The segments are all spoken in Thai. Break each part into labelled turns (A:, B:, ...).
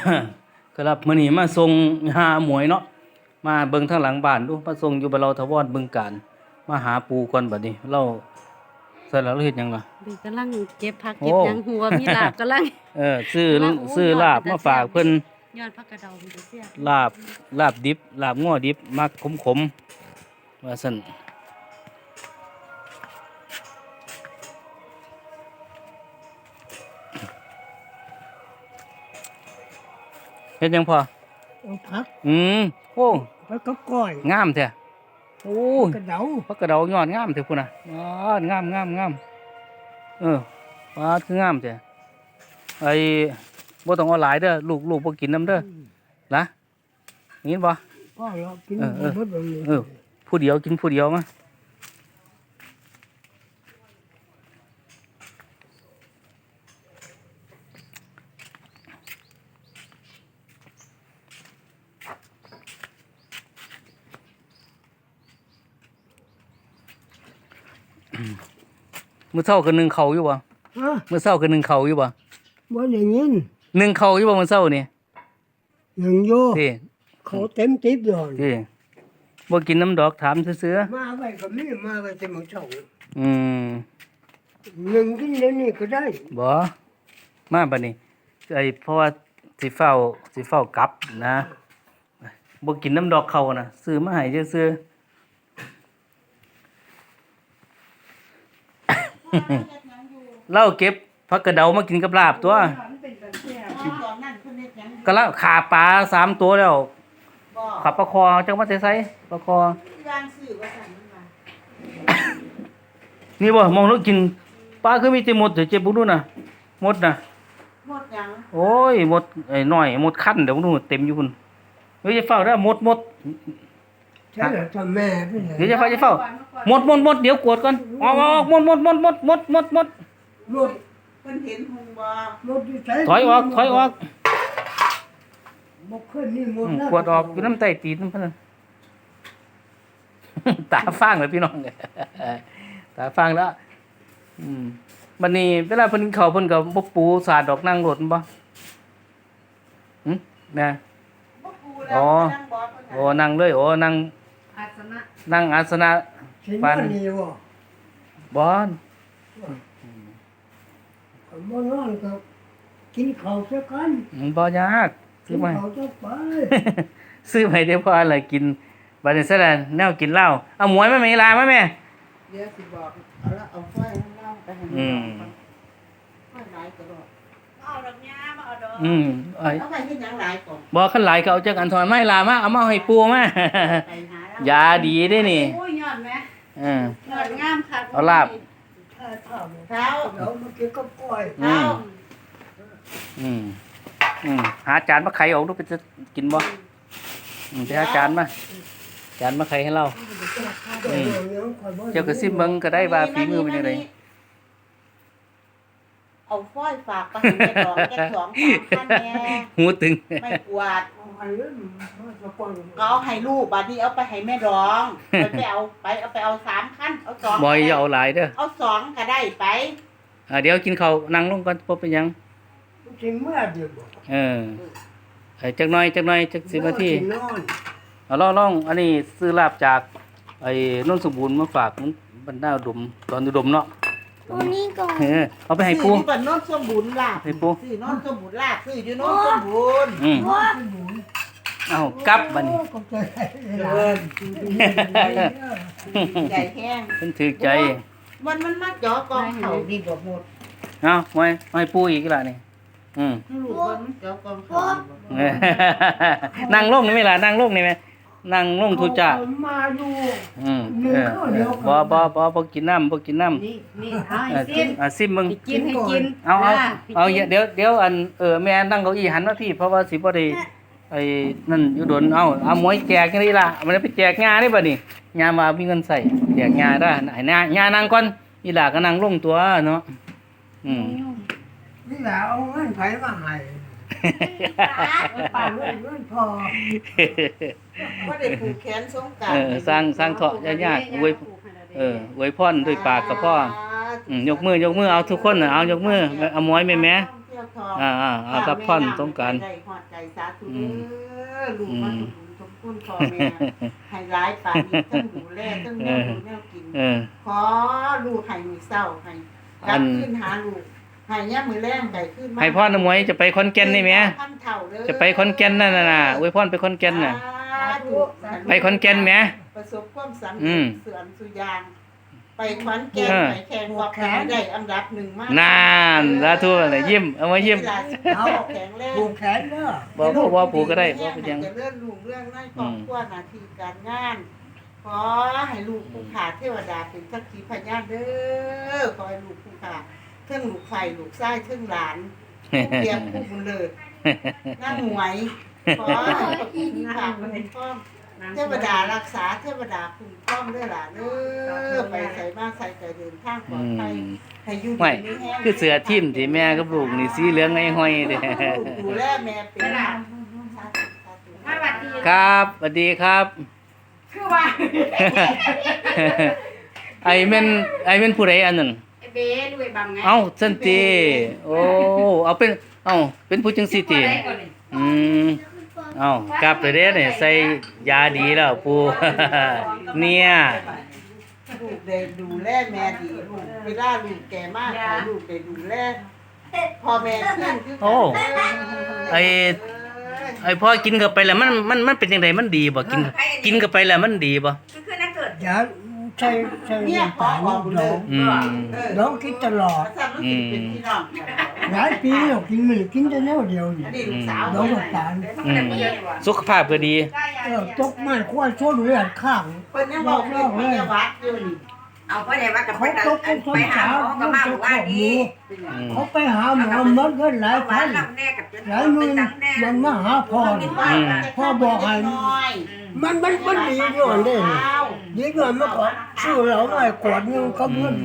A: ครับมื้อนี้มาส่งหาหมวยเนาะมาเบิ่งทางหลังบ้านดูมาส่งอยู่บ้านเราทวรบึงกาฬมาหาปูก่อนบัดนี้เราใส่แล้วเราเฮ็ดหยังล่ะ
B: เพิ่นกำลังเก็บผักเก็บหยังหัวมีลาบกำลัง
A: ซื้อลาบมาฝากเพิ่น
B: ยอดผักกระเดามันจะเสีย
A: ลาบดิบลาบง้อดิบมักขมๆว่าซั่นเฮ็ดหยังพอ
C: เอาผัก
A: โอ้
C: ผักกับก้อย
A: งามแท้โอ้
C: กระเดา
A: ผักกระเดายอดงามแท้พุ่นน่ะงามปลาคืองามแท้ไอ้บ่ต้องเอาหลายเด้อลูกบ่กินนำเด้อนะยินบ่
C: พ่อเรากินหมดเลย
A: ผู้เดียวกินผู้เดียวมามื้อเช้าก็นึ่งข้าวอยู่บ่มื้อเช้าก็นึ่งข้าวอยู่บ่
C: บ่ได้ยิน
A: นึ่งข้าวอยู่บ่มื้อเช้านี่
C: ยังอยู่
A: ติ
C: เขาเต็มติ๊บอยู่
A: ติบ่กินน้ำดอกถามซื่อ
C: ๆมาไว้ก็มีมาไว้แต่มื้อเช้ายังกินเดี๋ยวนี้ก็ได้
A: บ่มาบัดนี้เพราะว่าสิเฝ้ากลับนะบ่กินน้ำดอกเขาน่ะซื้อมาให้ซื่อๆเราเก็บผักกระเดามากินกับลาบตัวก็แล้วขาปลา3ตัวแล้วขับปลาคอจังว่าใส่ปลาคอนี่บ่มองแล้วกินปลาคือมีแต่หมดเดี๋ยวเจ็บบ่ดูน่ะหมดน่ะ
B: หมดหยัง
A: โอ้ยหมดไอ้น้อยหมดคั้นเดี๋ยวดูเต็มอยู่พุ่นเฮ้ยจะเฝ้าเด้อหมด
C: ใช่แล้วทำแม่เพิ่น
A: เดี๋ยวจะเฝ้าหมดเดี๋ยวกวดก่อนออกหมด
C: หมด
B: เพิ่นเห็นหุงบ่
C: หมดอยู่ไส
A: ถอยออก
C: บ่เคยมีหมด
A: กวดออกอยู่น้ำใต้ตีนเพิ่นตาฟางเลยพี่น้องตาฟางแล้วบัดนี้เวลาเพิ่นกินข้าวเพิ่นก็บ่ปูสาดดอกนั่งรถบ่นะอ๋อนั่งเลยนั่ง
B: อาสนะ
A: นั่งอาสนะ
C: ปานนี้
A: บ่
C: บ่นอนก็กินข้าวซะกัน
A: บ่ยาก
C: ซื้อมาจะไป
A: ซื้อไปได้พออะไรกินบัดนี้ซะแล้วแนวกินเหล้าเอาหมวยมาแม่ลามาแม่
B: เดี๋ยวสิบอกเอาไฟให้เล่าไปให้ไฟหลายก็ดอกเอาดอกหญ้ามาเอาดอกเอาไปเฮ็ดหยังหลายก่อน
A: บ่คันหลายก็เอาจักอันถอนไม้ลามาเอามาให้ปูมายาดีเด้นี่
B: โอ้ยยอดแม่ยอดงามคัก
A: เอาลาบ
C: เท้าเดี๋ยวมากินกับก้อย
A: หาจานมาไข่ออกดูไปจะกินบ่ไปหาจานมาไข่ให้เราเจ้าก็ซิมเบิ่งก็ได้ว่าฝีมือเป็นจังได๋
B: เอาฝ้อยฝากไปให้แม่ดอกแค่2-3,000แน่
A: หูตึง
B: ไม่กวาดเอาให้ลูกบัดนี้เอาไปให้แม่ดองไปเอา3คันเอา2
A: บ่อย่าเอาหลายเด้อ
B: เอา2ก็ได้ไป
A: เดี๋ยวกินข้าวนั่งลงก่อนบ่เป็นหยัง
C: กินเมื่อเดียวบ่
A: จักหน่อยจัก10นาทีเอาลองอันนี้ซื้อลาบจากไอ้นนท์สมบูรณ์มาฝากมันบรรดาอุดมตอนอุดมเนาะ
B: นี่ก่อน
A: เอาไปให้ปู
B: ซื้อโนนท์สมบูรณ์ลาบ
A: ให้ปู
B: ซื้อโนนท์สมบูรณ์ลาบซื้ออยู่โนนท์สมบูรณ์
A: เอากลับบัดนี้
B: ใจแห้ง
A: เพิ่นถือใจ
B: มันมาจ่อกองเขาดีบ่หมด
A: เอาไว้ปูอีกล่ะนี่
B: ลูกมันจ่อกองเขา
A: นั่งลงนี่มั้ยล่ะนั่งลงนี่มั้ยนั่งลงทุจ้า
C: มาอยู่
A: บ่กินน้ำนี่ซิมมึง
B: กินให้กิน
A: เอาเดี๋ยวอันแม่นั่งเก้าอี้หันมาพี่เพราะว่าสิบ่ได้ไอ้นั่นอยู่โดนเอาหมวยแจกจังได๋ล่ะมันไปแจกงาได้บ่นี่งามามีเงินใส่แจกงาได้ให้งานั่งก่อนอีหล่าก็นั่งลงตัวเนาะ
C: นี่แหละเอาเงินไผมาให้ป่าเงินพอ
B: บ่ได้ผูกแขนสงกรานต์
A: สร้างเถาะยากๆอวยพรด้วยปากกับพ่อยกมือเอาทุกคนเอายกมือเอาหมวยแม่
B: ทอง
A: รับพรสงกรานต์
B: ได้ฮอดใจสาธุเด้อลูกมาสมบุญสมคุณพ่อแม่ให้หลายปานนี้ทั้งดูแลทั้งแนวดูแนวกิน ขอลูกให้มื้อเช้าให้กลับคืนหาลูกให้ยามมื้อแลงได้คืนมา
A: ให้พ่อน้ำมวยจะไปขอนแก่นนี่แหม
B: พันเท่าเด้อ
A: จะไปขอนแก่นนั่นน่ะอวยพรไปขอนแก่นน่ะ
B: สาธุ
A: ไปขอนแก่นแหม
B: ประสบความสำ
A: อื
B: เร็
A: ม
B: จเสื่อมสุยาง ไปขอนแก่นไปแข่งบอกได้อันดับ1มาก
A: นานสาธุเลยยิ้มเอามายิ้ม
B: เอาแข็งแรง
C: ผูกแขนเด้อ
A: บ่ว่าปู่ก็ได้บ่เป็นหยัง
B: จะเลื่อนลุงเรื่องในครอบครัวหน้าที่การงาน ขอให้ลูกผู้ขาเทวดาเป็นสักขีพยานเด้อขอให้ลูกผู้ขาเทิงลูกไฟลูกไส้เทิงหลานผู้เตรียมผู้บุญเลิศนั่งหวย ขอให้ผู้ขาเป็นพ่อเทวดารักษาเทวดาคุ้มครองด้วยล่ะเด้อไปใส่มาใส่ใจเดินทางปลอดภัยให้อยู่
A: ไม่
B: ดีมีแห้ง
A: คือเสือทิ่มที่แม่กับลูกนี่สีเหลืองไอ้ห้อยเด้
B: ดูแลแม่เป็นหลัก
D: มาบัดดี
A: ครับสวัสดีครับ
D: คือว่า
A: ไอ้แม่นผู้ใดอันนั้น
D: ไอ้เบ้ด้วยบังไง
A: เอ้าสันติโอ้เอาเป็นเป็นผู้จังซี่ติอืมเอ้ากลับไปเด้อนี่ใส่ยาดีแล้วปู่ เนี่ย
B: ลูกได้ดูแลแม่ดีลูกเวลาลูกแก่มากขอลูกได้ดูแลพ่อแม่ขึ้นคือ
A: โอ้ไอ้พ่อกินเข้าไปแล้วมันเป็นจังไดมันดีบ่กินเข้าไปแล้วมันดีบ่
D: คือนักเกิด
C: อย่าใช้
B: เนี่ยขอ
C: น้ำตาล
B: บอกเล
C: น้
B: ย
C: อง
A: อืม
C: น้องกินตลอด
B: ถ้ามันสิเป็นพี่น้องกัน
C: หลายปีแล้วกินมันกินแต่แนวเดียวนี่
B: อันนี้ลูกสาว
C: น้องน้ำตาล
A: สุขภาพก็ดี
C: ตกไม้ควายช่วยเลือดข้าง
B: เพิ่นยังบอกเรื่องพยาวัดอยู่นี่
D: เอาไปไหนว่ากับ
C: เขา
D: ไป
C: ตกเป็นคน
D: หา
C: สาว
D: หมอก็
C: มัน
D: มา
C: จะ
D: ว่า
C: ขอบ
D: ดี
C: หมูเขาไปหาหมอหมดเงินหลายพัน
D: แน่กับ
C: หลายหมื่นมันมาหาพ่อนี่พ่อบอกให้มันดีด้วยนี่ดีด้วยมันก็ซื้อเหล้าหน่อยขวดนึงก็เงิน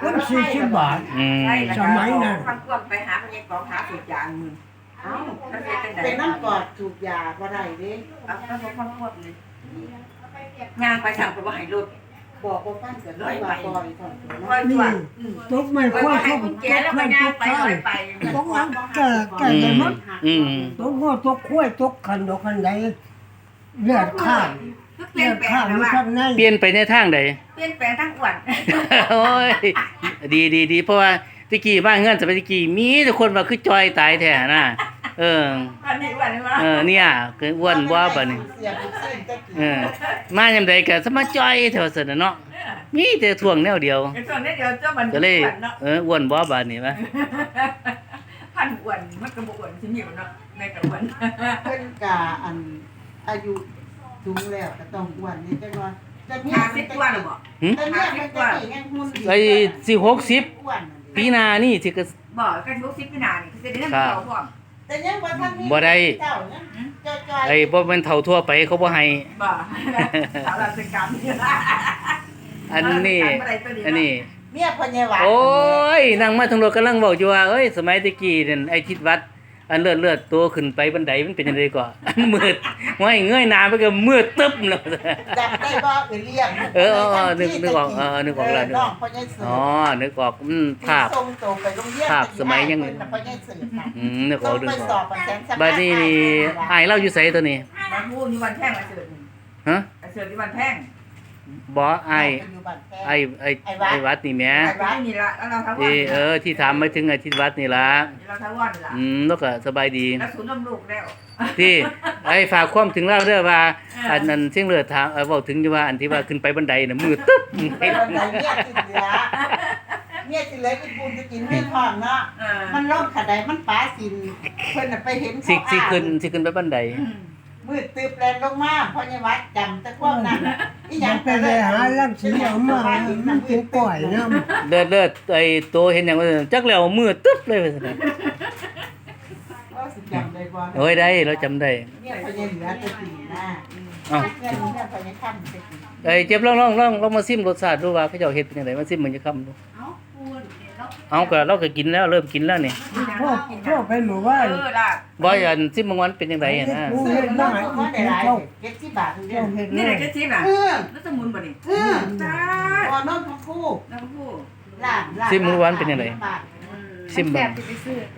C: 40 บาท
A: อืม
C: สมัยนั้น
D: ฟังควบไปหาพยากรหาสุดยางมึงเอ้า
B: เป็นน้ำกอดจูบยาบ่ได้เด้
D: เอาฟังควบเลยงานไปสั่งไปว่าให้รถ
B: บอกว่าฟังกันเลยว่าปล่อยถอนตัว
D: คอยตัว
C: ตกไม่ค่อย
D: ให้
C: ชอบ
D: กุญ
C: ต
D: แจ
C: ก
D: แล้ว
C: เงิ
D: ก็
C: น
D: งา
C: ต
D: น
C: ก
D: ไป
C: ข้าว
D: ไป
C: ตกนั้นแก่ได้มั้ง
A: อืม
C: ตกงอตกข้วยตกขันดอกขันใดเลือดข้าง
D: เปลี่
C: เลื
D: ย
C: อน ด
D: แปล
C: ข้าง
D: ง
C: อยู่
D: ว่า
C: ข้างใน
A: เปลี่ยนไปในทางใด
D: เปลี่ยนแปลงทั้งอ้วน
A: โอ้ยดีเพราะว่าตะกี้บ้านเงินสมัยตะกี้มีแต่คนว่าคือจอยตายแท้น่ะเออ
D: อันนี้อ้วนเลยมั้ย
A: เนี่ยคืออ้วนบ่บัดนี้
B: เสียบุกเส้นตะกี้
A: มายามใดก็สมาจอยแถวซั่นน่ะเนาะมีแต่ท่วงแนวเดียว
D: ไอ้ส่วนนี้เดี๋ยวเจ้ามัน
A: ก็เลย
D: อ้วนเนาะ
A: อ้วนบ่บัดนี้วะ
D: พันอ้วนมันก็บ่อ้วนสิมีเนาะแม่ก็อ้วน
B: เพิ่นกะอันอายุสูงแล้วก็ต้องอ้วนนี่จังว่าแต่เนี่ย
D: 50กว่าแล้วบ่
B: แต่เนี่ยมันตะกี้ยังหุ่นดี
A: ไอ้สิ60
B: อ้วน
A: ปีหน้านี่สิก็
D: บ่กัน60ปีหน้านี่คือสิได้นำเขาพร้อม
B: แต่ยังบ่ทันมี
A: บ่ได้
B: เจ้ายังจอย
A: ไอ้บ่แม่นเฒ่าทั่วไปเขาบ่ให้
D: บ่สาวราชการ
A: อันนี้อันนี้
B: เมียพ่อใหญ่หวาน
A: โอ้ยนั่งมาทางรถกำลังบอกอยู่ว่าเอ้ยสมัยตะกี้นั่นไอ้ทิศวัดอันเลือดตัวขึ้นไปบันไดมันเป็นจังไดก่อน อันมืดห้อยเงยหน้าไปก็มืดตึ๊บแล้ว
B: จับได้บ่เรียก
A: นึกออกนึกออกแล้ว
B: น้องพ่อใหญ่เสือ
A: อ๋อนึกออกภาพ
B: ส่งโตไปโรงเรียน
A: ภาพสมัยยัง
B: เพิ่นน่ะพ่อใหญ่เสือน่ะ
A: นึกออกนึก
B: ไป
A: อ
B: ส
A: อ
B: อก บแสนส
A: บัดนี้นี่อ้ายเราอยู่ไสตัวนี้
D: มาพูดอยู่วันแท่งมาเสิร์ฟ
A: ฮะ
D: มาเสิร์ฟที่วันแท่ง
A: บ่อ้าย
B: อยู่บ้านแพง
A: ไอ้วัดนี่แหม
D: ไอ้บ้านนี่ละแล้วเราทั้งวัน
A: ที่ถามมาถึงไอ้ทิศวัดนี่ล่ะ
D: เราทั้งวันละ
A: แล้วก็สบายดี
D: แล้วศูนย์นมลูกแล้ว
A: ที่ไอ้ฝากความถึงเล่าเด้อว่าอันนั้นเสียงเลือดถามเว้าถึงอยู่ว่าอันที่ว่าขึ้นไปบันไดน่ะมืดตึ๊บ
B: ไปบันไดเมียสิเหลือเมียสิเหลืออีปุ่นจะกินเมียท้องเนาะมันลงขะไดมันปลาสินเพิ่นน่ะไปเห็น
A: สิขึ้นไปบันได
B: มืดตึบแลนลงมาพ่อใหญ่วัดจำแต่ความนั้นอีหยั
C: มั
B: ง
C: นไปเลยหาลังสีเอามามันกินก่อยน้
A: เลือดไอ้โตเห็นหยังว่าจักแล้วมืดตึ๊บเลยว่าซั่นน่ะ
B: ว่าสิจำได้บ่
A: โอ้ยได้เราจำได้
B: เนี่ยพ่อใหญ่เหลือแตะกี้นะ
A: อ้าว
B: เนี่ยพ่อใหญ่ค่ำตะกี้
A: ไอ้เจ็บลองมาซิมรสชาติดูว่าเขาเจ้าเฮ็ดเป็นจังไดมาซิมมันจะคำดูเอาก็เราก็กินแล้วเริ่มกินแล้วนี่
C: ำพ่อไปหมู่บ้าน
D: ล่ะ
A: บ่อันซิมบางวันเป็นจังไดอะนะ
C: กูเฮ็ดมาให้
B: ก็
C: กิ
B: ได้
C: น
B: หลาย
C: ข้าว
B: เก็บที่บาทเดีย
C: เจ้าว เฮ็ดเล
D: นี่แหละ
C: ย
D: แค่ชิมอ่ะ
B: เออ
D: แล้วสมุนบ่นี่
B: เออ
D: ตา
B: พอนอนทั้งคู่
D: น้ำผู้
B: ลาบ
A: ซิมมื้อวันเป็นจังได
B: บาท
A: ซิม
E: แซ่
A: เบิ่
E: บ
A: ง
E: สิไปซื้อเด้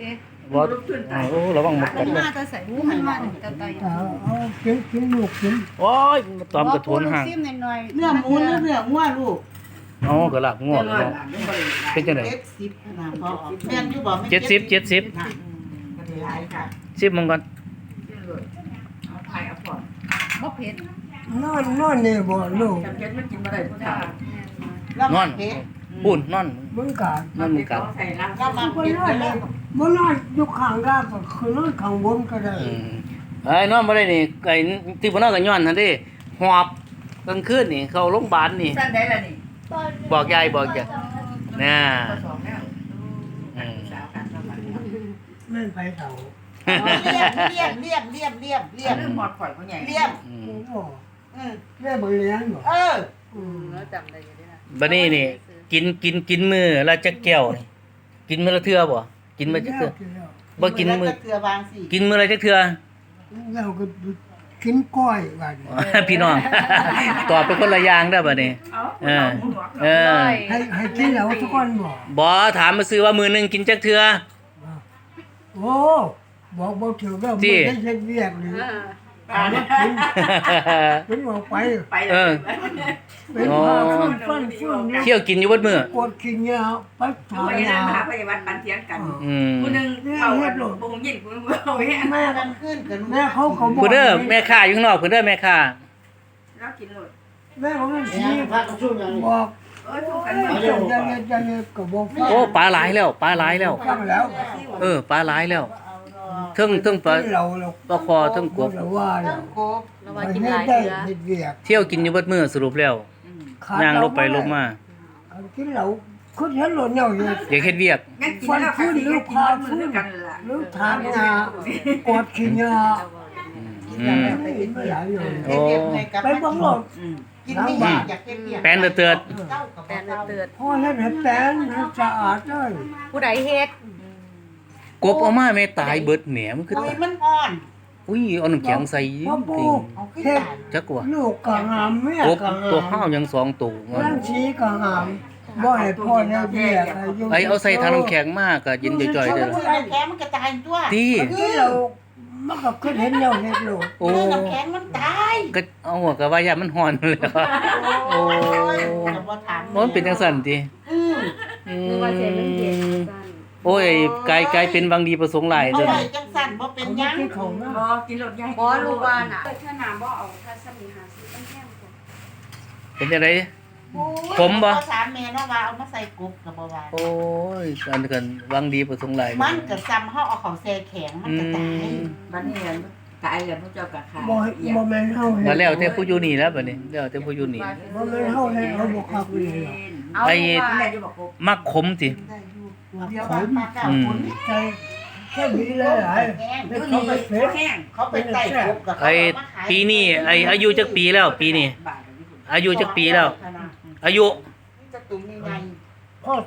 A: บ่โอ้ระวังหมดกัดเด้อ
E: มาจะใส่หูมันมาตะไต
C: เอากินลูกกิน
A: โอ้ยมาตอมกระโถนห่าง
E: ซิมหน่อย
B: เนื้อหมูหรือเนื้องัวลูก
A: อ๋อก็ลากงวดเนาะเป็นจังได๋
B: 70นะพอแม่นอยู่บ่แม่น
A: 70
B: น่ะก็ได้หลายค่ะ
A: 10มึงก่อน
D: เอาไทยเอาพอ
E: บ่เผ็ด
C: นอนนี่บ่ลูก
D: จำเป็นมันกินบ่ได้ผู้ชาย
B: แล้ว
A: น
B: มั
A: อน
B: เผ็ด
A: ปูนนอน
C: มึงกะ
A: นอนมึงกัน
D: ใส่รัง
B: ก็มา
C: บ่
B: เผ็ด
C: นอนเลยบ่นอนอยู่ข้างล่างก็คือนอนข้างบนก็ได้
A: ไอ้นอนบ่ได้นี่ไอ้ที่บ่นอนก็ย้อนนั่นเด้หอบกลางคืนนี่เข้าโรงพยาบาลนี่
D: สั้นได้ละนี่
A: บอกยายน่ะ
D: ผสมแล้ว สาวกันสาวกัน
C: แม่นไปเฒ่า
B: เลี่ยมเรื่อง
D: หมดข่อยเขาใหญ่
B: เลี่ยม
C: โอ้โห
B: อืม
C: แม่บ่เลี้ยงบ่
B: เออ
E: แล้วจำได้อยู่ด้วยนะ
A: บัดนี้นี่กินมื้อละจักแก้วนี่กินมื้อละเทื่อบ่กินมื้อจักเทื่อบ่กินมื้อ
B: เกลือบางสิ
A: กินมื้อละจักเทื่อ
C: แล้วก็กินก้อยบัดนี้
A: พี่น้อง ตอบเป็นคนละอย่างเด้อบัดนี้ เออ เออ
C: ให้กินแล้วทุกคนบ่
A: บ่ถามมาซื้อว่ามื้อหนึงกินจักเทื่อ
C: โอ้บอกบ่ถูกแล้ว
A: ที่
C: บ่ได้เฮ็ดเวียกนี่ถามว่ากินออกไป
D: ไป
A: เออ
C: เป็นพาฟันนี่
A: เที่ยวกินอยู่เบิดมื้อก
C: ดกินยาไปถาม
D: ไป
C: ยา
D: นั่งหาพยาบาลปันเทียงกัน
A: อืม
D: ผู้หนึงเข้าปูงยินผู้นึงเอาแห้ง
C: แม่
B: มันขึ้นกัน
C: แม่เขาก็บอก
A: ผู้เด้อแม่ค้าอยู่ข้างนอกผู้เด้อแม่ค้า
D: แล้วกินหมด
C: แม่เขามันชี้บอก
D: เออถูกกัน
C: เจ้าจะก็บอกฟัง
A: โอ้ปลาหลายแล้วปลาหลายแล้ว
C: ฟังแล้ว
A: ปลาหลายแล้วเทึ่งปลา
C: เรา
A: ปลาคอเทึ่งกบ
C: เราว่า
B: ต้
C: เรา
B: องโกบ
E: เราว่ากินหลาย
C: ได้
E: เทื่อ
C: เฮ็ดเวียก
A: เที่ยวกินอยู่เบิดมื้อสรุปแล้วย่างลบไปลบมา
C: กินเราคุณเห็นหล่นเหี่ยวอยู่
A: อยากเฮ็ดเวียก
D: งั้นกินแล้วค่ะกินมือกันล่ะ
C: หรือทานยากดกินยา
A: อืม
C: ไม่เห็นไม่หลายอยู่
A: โอ้
C: ไปบังหลด
B: กินไม่อยากอยากเก็บเบียร์
A: แป้นเตือน
B: เจ้ากับ
E: แต่
B: เจ้า
E: เตือน
C: พ่อเฮ็ดให้แป้นให้สะอาดเลย
E: ผู้ใดเฮ็ด
A: กบเอามาแม่ตายเบิดแหมมันคือ
B: โอ้ย
A: ตาย
B: มันอ่อน
A: อุ้ยเอาน้ำแข็งใส่
C: พ่อปู
B: เอาขึ้น
C: เฮ็ด
B: ตาย
A: จักว่า
C: ลูกก็หามแม่
A: กบ
C: ก็หาม
A: ตัวข้าวยัง2ตัว
C: ร่างชีก็หามบ่ให้พ่อได้เบี้ย
A: ไอ้เอาใส่ถังน้ำแข็งมากก็เย็นจ่อยๆเด้อ
B: โอ้ยน้ำแข็งมันกระจายตัว
A: ที่
C: ที่เรามันก็ขึ้นเห็นแล้วเฮ็ดลูก
A: โอ้
B: น้ำแข็งมันตาย
A: ก็เอาหัวก็ว่าอย่ามันฮ้อนเลยว่ะ โอ้
B: แต่ว่าถาม
A: มันเป็นจังซั่นติ
B: อืม
E: หรือว่าเสียมันเย็นซั่น
A: โอ้ยกลายเป็นบางดีประสงค์หลาย
B: เอา
A: เด้อ
B: ไว้จังสั่นบ่เป็นหยัง
C: ที่เขานะ
D: บ่กินรถใหญ่
E: บ่รู้ว่าน่ะ
F: ถ้าน้ำบ่เอาถ้าสมีหาซื้อตั้งแค่กว่า
A: เป็นจังได
B: โอ้ย
A: ผมบ่
B: ถามแม่เนาะว่าเอามาใส่กบกับบ่ว่า
A: โอ้ยอันนี้กันบางดีประสงค์หลาย
B: มันก็ซ้ำเฮาเอาเขาแช่แข็งมันก็ตาย
D: บัดนี้ตายแล้วพวกเจ้าก็ขาย
C: บ่แม่นเฮาเฮ็
A: แล้ว
C: ด
A: แล้วแต่ผู้อยู่นี่แล้วบัดนี้แล้วแต่ผู้อยู่นี่
C: บ่แม่นเฮาเฮ็ดเขาบ่คักเลยหรอก
E: เอา
A: ไอ้
E: ว่า
D: แม่จะบอก
A: มักขมสิ
B: ได้อยู่เดี๋ยวว่าปลาเก้าคน
C: ใจแค่นี้เลยหลาย
B: แห้ง
C: เฮ็ดเขาไปเฟซ
D: แห้ง
B: เขาไปไต่กบกับเขา
A: ไอ้
B: เอามาขาย
A: ปีนี้ไอ้อายุจักปีแล้วปีนี้ อายุจักปีแล้ว อายุ
B: จะตุ้มยังไง
C: ข้อ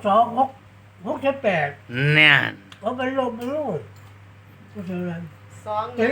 C: 268
A: เนี่ย
C: เขาไปลบลูกก็เท่านั้น
E: สอง
C: เป็น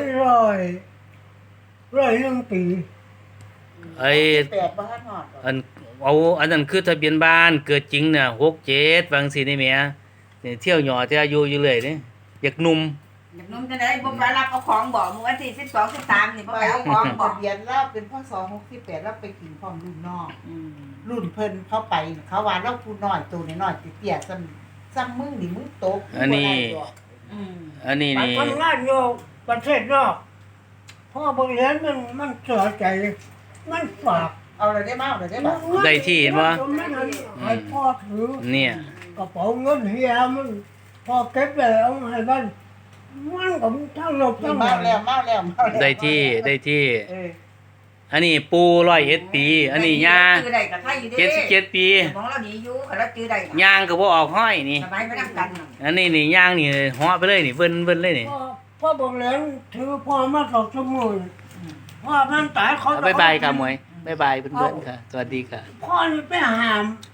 C: 100 ปี
A: ไอ้
B: แปดบ่ทันฮอดหรอก
A: อันนั้นคือทะเบียนบ้านเกิดจริงเนี่ย67บางสินี่แหมนี่เที่ยวหยอแต่อายุอยู่เลยนี่อยากหนุ่ม
D: อยากนุ่มจะได้บ่ไปรับเอาของบ่มื้อวันที่12 13นี่บ่ไปเอาของบ่
B: ทะเบียนเราเป็นพ่อ268เราไปกินพร้อมรุ่นน้องรุ่นเพิ่นเข้าไปเขาว่าเราผู้น้อยตัวน้อยๆเตี้ยๆซ้ำมึงนี่มึงตก
A: อันนี้ อันนี้
C: ไป
A: นี่
C: ทำงานอยู่ประเทศนอกพ่อบริเวณมันเสียใจ มันฝาก
B: เอาเลยได้มาเอาเลยได้บ่
A: ได้ที่เห็นบ่
C: ให้พ่อถือ
A: เนี่ย
C: กระเป๋าเงินเฮียมันพอเก็บไปเอาให้บ้านมันก็ทั้งลบทั้ง
B: มาแล้วมาแล้วมาแล้ว
A: ได้ที่
B: เออ
A: อันนี้ปู101ปี อันนี้ย่า
D: จื้อได้ก็ไทยอยู่เด้
A: 77ปี
D: มองเราดีอยู่คันเราจื้อได้
A: ย่างก็บ่ออกห้อยนี่
D: สบายไปนำกัน
A: อันนี้นี่ย่างนี่เหาะไปเลยนี่เบิ่นเลยนี่
C: พ่อบริเวณถือพ่อมาสองชั่วโมงพ่อมันตายเขา
A: บ๊ายบายค่ะหมวยบ๊ายบายเพื่อนๆค่ะ สวัสดีค่ะ
C: พ่อนี่ไปหาม